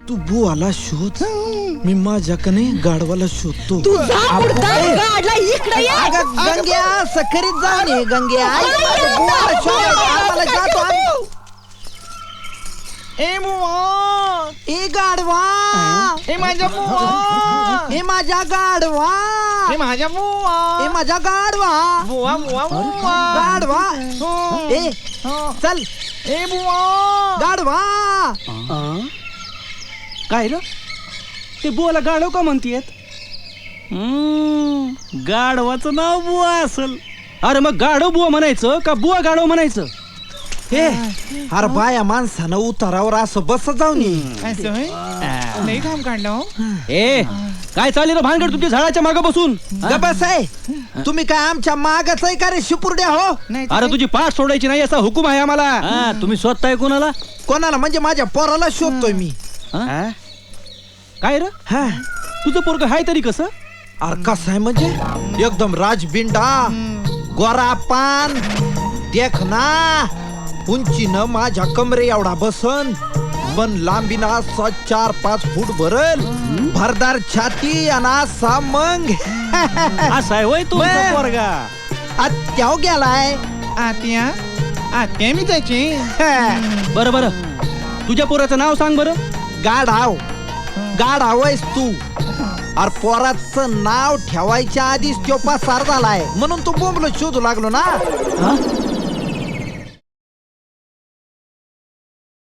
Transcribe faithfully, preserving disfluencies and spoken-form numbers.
तू बुवाला शोध, मी माझ्याकडे गाढवाला शोधतो. तू जा पुढचा गाडला इकडे ये. अगं गंग्या सखरीत जाऊन ये गंग्या. आई माझ्या बुवाला शोध, आम्हाला जातो आम्ही. ए बुवा, ए गाढवा, ए माझ्या बुवा, ए माझ्या गाढवा, ए माझ्या बुवा, ए माझ्या गाढवा, बुवा बुवा बुवा, गाढवा. हो, ए हो. चल ए बुवा, गाढवा. काय र ते बुवाला गाढव का म्हणतीयत? गाढवाचं नाव बुवा असल. अरे मग गाढव बुवा म्हणायचं का बुवा गाढव म्हणायचं? हे अरे बाया माणसानं उतारावर असं बस जाऊन ये. असं होय? लई घाम काढलं हो. ए काय चालली रे भानगड तुमच्या झाडाच्या मागे बसून? गबस आहे, तुम्ही काय आमच्या मागच आहे का रे शिपुर्ड्या हो? नाही तर अरे काय? तुझी पाठ सोडायची नाही असा हुकूम आहे आम्हाला. तुम्ही स्वतः कोणाला? कोणाला म्हणजे माझ्या पोराला शोधतोय मी. काय र हा तुझं पोरग हाय तरी कसं? अरे कसं आहे म्हणजे एकदम राजबिंडा, गोरा पान, देखना, उंचीनं माझ्या कमरे एवढा बसन, पण लांबीनं असा चार पाच फूट भरल, भरदार छाती आणि असा मग असा आहे होय तुमचा मग. पोरगा? आत्याव गेलाय. आत्या आत्या मी त्याची. बरं बरं तुझ्या पोराचं नाव सांग बरं. गाढाव गाढाव आहेस तू. अरे पोराचं नाव ठेवायच्या आधीच तो पसार झालाय म्हणून तू बोंबलो शोधू लागलो ना.